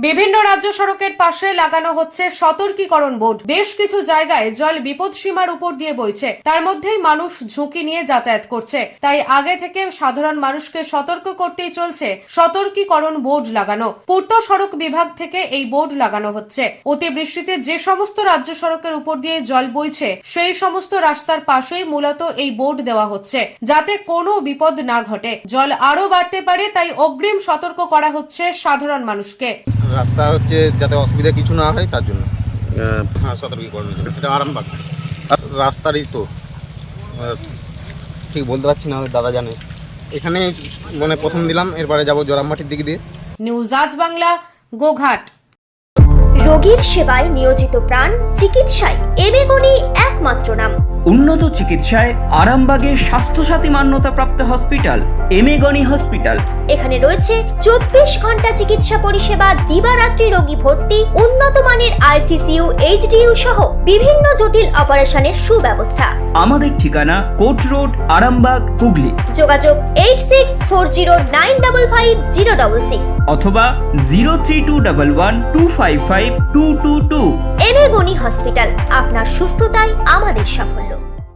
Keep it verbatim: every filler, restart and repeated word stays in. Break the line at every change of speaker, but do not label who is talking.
বিভিন্ন রাজ্য সড়কের পাশে লাগানো হচ্ছে সতর্কীকরণ বোর্ড। বেশ কিছু জায়গায় জল বিপদ সীমার উপর দিয়ে বইছে, তার মধ্যেই মানুষ ঝুঁকি নিয়ে যাতায়াত করছে। তাই আগে থেকে সাধারণ মানুষকে সতর্ক করতেই চলছে সতর্কীকরণ বোর্ড লাগানো। পূর্ত সড়ক বিভাগ থেকে এই বোর্ড লাগানো হচ্ছে। অতিবৃষ্টিতে যে সমস্ত রাজ্য সড়কের উপর দিয়ে জল বইছে সেই সমস্ত রাস্তার পাশেই মূলত এই বোর্ড দেওয়া হচ্ছে, যাতে কোনো বিপদ না ঘটে। জল আরো বাড়তে পারে, তাই অগ্রিম সতর্ক করা হচ্ছে সাধারণ মানুষকে।
রাস্তা হচ্ছে যাতে অসুবিধা কিছু না হয় তার জন্য হ্যাঁ সতর্কীকরণের জন্য। এটা আরামবাগ রাস্তারই তো ঠিক বলতে পারছি না, দাদা জানে। এখানে মানে প্রথম দিলাম, এরপরে যাবো জোরামবাটির দিক দিয়ে।
নিউজ আজ বাংলা, গোঘাট।
রোগীর সেবায় নিয়োজিত প্রাণ, চিকিৎসায় এবেগুনি একমাত্র নাম।
উন্নত চিকিৎসায় আরামবাগে স্বাস্থ্যসাথী মান্যতাপ্রাপ্ত হসপিটাল এমেগনি হসপিটাল।
এখানে রয়েছে চব্বিশ ঘন্টা চিকিৎসা পরিষেবা, দিবারাত্রি রোগী ভর্তি, উন্নত মানের আইসিসিইউ, এইচডিইউ সহ বিভিন্ন জটিল অপারেশনের সুব্যবস্থা।
আমাদের ঠিকানা কোট রোড, আরামবাগ, হুগলি।
যোগাযোগ eight six four zero nine double five zero double six
অথবা zero three two double one two five five two two two.
এবেগুনি হসপিটাল, আপনার সুস্থতাই আমাদের সাফল্য।